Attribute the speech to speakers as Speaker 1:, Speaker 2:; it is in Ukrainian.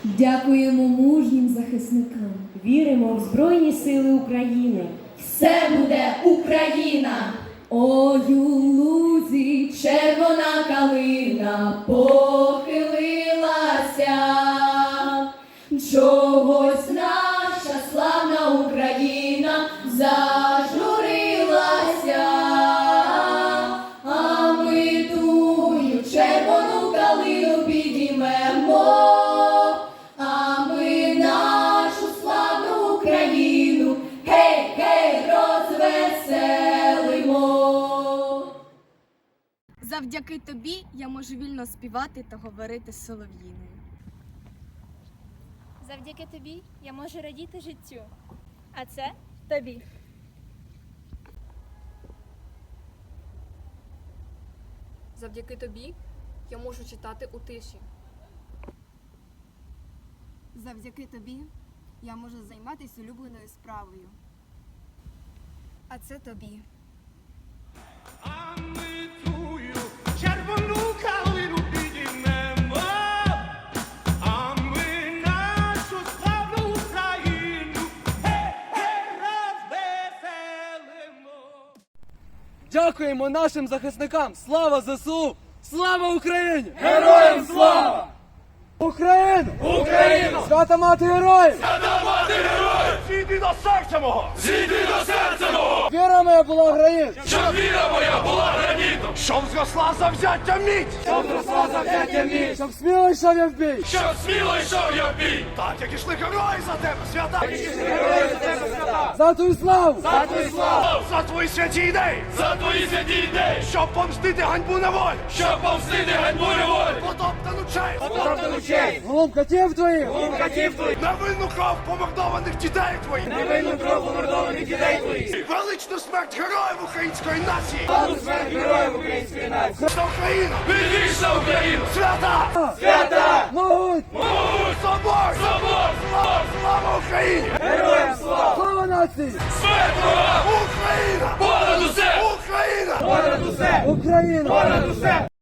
Speaker 1: Дякуємо мужнім захисникам.
Speaker 2: Віримо в Збройні Сили України.
Speaker 3: Все буде Україна!
Speaker 1: Ой, у лузі
Speaker 3: Червона калина похилилася, чогось наша славна Україна зажурилася, а ми тую червону калину підіймемо, а ми нашу славну Україну, гей, гей, розвеселимо.
Speaker 4: Завдяки тобі я можу вільно співати та говорити з солов'їною.
Speaker 5: Завдяки тобі я можу радіти життю, а це тобі.
Speaker 6: Завдяки тобі я можу читати у тиші.
Speaker 4: Завдяки тобі я можу займатися улюбленою справою. А це тобі.
Speaker 7: А ми тую червону калину підіймемо, а ми нашу славну Україну, гей-гей, розвеселимо.
Speaker 8: Дякуємо нашим захисникам! Слава ЗСУ! Слава Україні!
Speaker 7: Героям слава!
Speaker 8: Україну!
Speaker 7: Україну!
Speaker 8: Свята мати героїв!
Speaker 7: Свята мати героїв! Зійди до серця мого! Зійди до серця мого!
Speaker 8: Віра моя була граніт!
Speaker 7: Щоб віра моя була гранітом! Щоб зросла завзяття міць! Щоб зросла завзяття міць!
Speaker 8: Щоб сміло йшов я в бій!
Speaker 7: Щоб сміло йшов я в бій! Так, як ішли герої за тебе, свята! Так, як ішли герої за тебе, свята!
Speaker 8: За твою славу!
Speaker 7: За твою славу! За твої святі ідеї! За твої святі ідеї! Щоб помстити ганьбу неволі! Щоб помстити ганьбу неволі! Потоптану честь! Потоптану честь!
Speaker 8: Глум катів твоїх!
Speaker 7: Катів твоїх! Невинну кров помордованих дітей твоїх! Невинну кров помордованих дітей твоїх! Величну смерть героїв української нації! Величну смерть героїв української нації! За Україну! Вільніша Україну! Свята! Свята!
Speaker 8: Могуть!
Speaker 7: Могуть! Собор! Собор! Слава Україні! Героям слава!
Speaker 8: Слава нації!
Speaker 7: Смерть ворогам! Україна! Понад усе! Україна! Понад усе!
Speaker 8: Україна!
Speaker 7: Понад усе!